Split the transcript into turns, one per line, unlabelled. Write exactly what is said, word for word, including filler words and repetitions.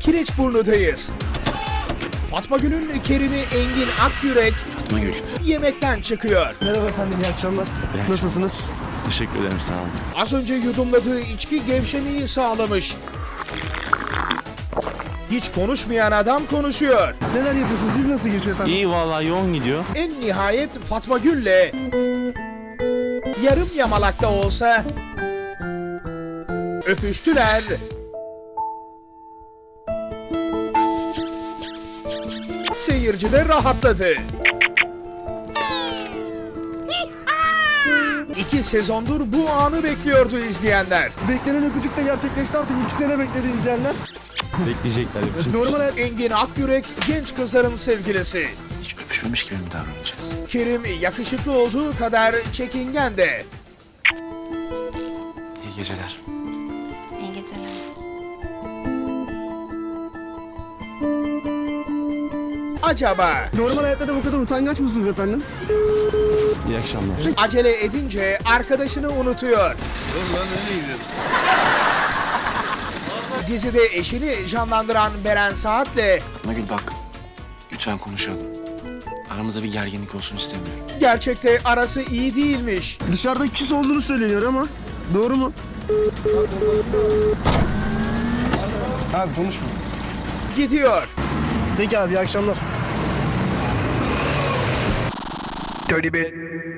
Kireçburnu'dayız. Fatma Gül'ün Kerim'i Engin Akyürek
Fatma Gül.
yemekten çıkıyor.
Merhaba efendim, iyi akşamlar.
İyi
Nasılsınız?
Teşekkür ederim, sağ olun.
Az önce yudumladığı içki gevşemeyi sağlamış. Hiç konuşmayan adam konuşuyor.
Neler yapıyorsunuz? Diz nasıl geçiyor efendim?
İyi vallahi, yoğun gidiyor.
En nihayet Fatma Gül'le yarım yamalakta olsa öpüştüler. Seyirci de rahatladı. İki sezondur bu anı bekliyordu izleyenler.
Beklenen öpücük de gerçekleşti, artık iki sene bekledi izleyenler.
Bekleyecekler. Yapacak.
Normal hayat...
Engin Akyürek genç kızların sevgilisi.
Hiç öpüşmemiş gibi mi davranacağız?
Kerim yakışıklı olduğu kadar çekingen de.
İyi geceler.
İyi geceler.
Acaba
Normal hayatta da bu kadar utangaç mısınız efendim?
İyi akşamlar.
acele edince arkadaşını unutuyor. Dizide eşini canlandıran Beren Saat'le
Fatma Gül bak, lütfen konuşalım. Aramızda bir gerginlik olsun istemiyorum.
gerçekte arası iyi değilmiş.
Dışarıda küs olduğunu söyleniyor ama doğru mu? Abi konuşma.
Gidiyor.
Peki abi, iyi akşamlar.
Tony Bey.